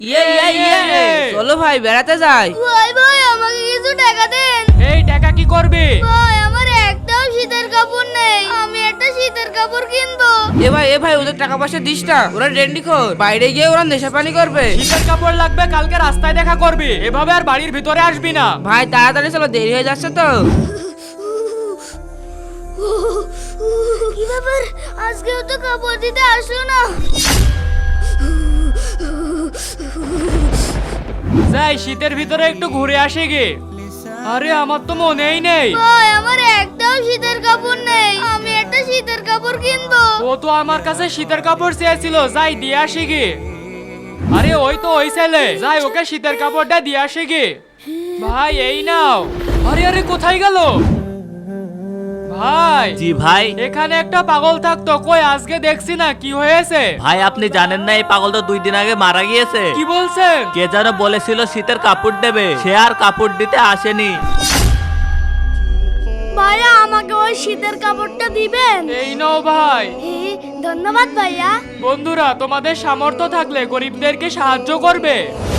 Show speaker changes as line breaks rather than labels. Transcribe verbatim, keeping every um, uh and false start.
ইয়ে ইয়ে ইয়ে চলো ভাই বেড়াতে যাই।
ভাই ভাই আমাকে কিছু টাকা দেন।
এই টাকা কি করবি?
ভাই আমার একটাও শীতের কাপড় নেই, আমি একটা শীতের কাপড় কিনবো।
এ ভাই এ ভাই ওদের টাকা পয়সা দিস না, ওরা ডেন্ডি খোর, বাইরে গিয়ে ওরা নেশা পানি করবে।
শীতের কাপড় লাগবে, কালকে রাস্তায় দেখা করবি, এভাবে আর বাড়ির ভিতরে আসবি না।
ভাই তাড়াতাড়ি চলো, দেরি হয়ে যাচ্ছে তো।
কি ব্যাপার, আজকেও তো কাপড় দিতে আসলো না।
যাই শীতের ভিতরে একটু ঘুরে আসি গে। আরে আমার তো মনেই নেই।
ভাই আমার একটাও শীতের কাপড় নেই, আমি একটা শীতের কাপড় কিনবো।
ও তো আমার কাছে শীতের কাপড় চেয়েছিল, যাই দিয়ে আসি গে। আরে ওই তো ওই ছেলে, যাই ওকে শীতের কাপড়টা দিয়ে আসি গে। ভাই এই নাও। আরে আরে কোথায় গেল ভাই?
জি ভাই।
এখানে একটা পাগল থাকতো, কই আজকে দেখছি না, কি হয়েছে?
ভাই আপনি জানেন না এই পাগল তো দুই দিন আগে মারা গিয়েছে।
কি বলছেন?
কে যেন বলেছিল শীতের কাপড় দেবে, সে আর কাপড় দিতে আসেনি।
ভাইয়া আমাকে ওই শীতের কাপড়টা দিবেন?
এই নাও ভাই।
হে, ধন্যবাদ ভাইয়া।
বন্ধুরা তোমাদের সামর্থ্য থাকলে গরিবদেরকে সাহায্য করবে।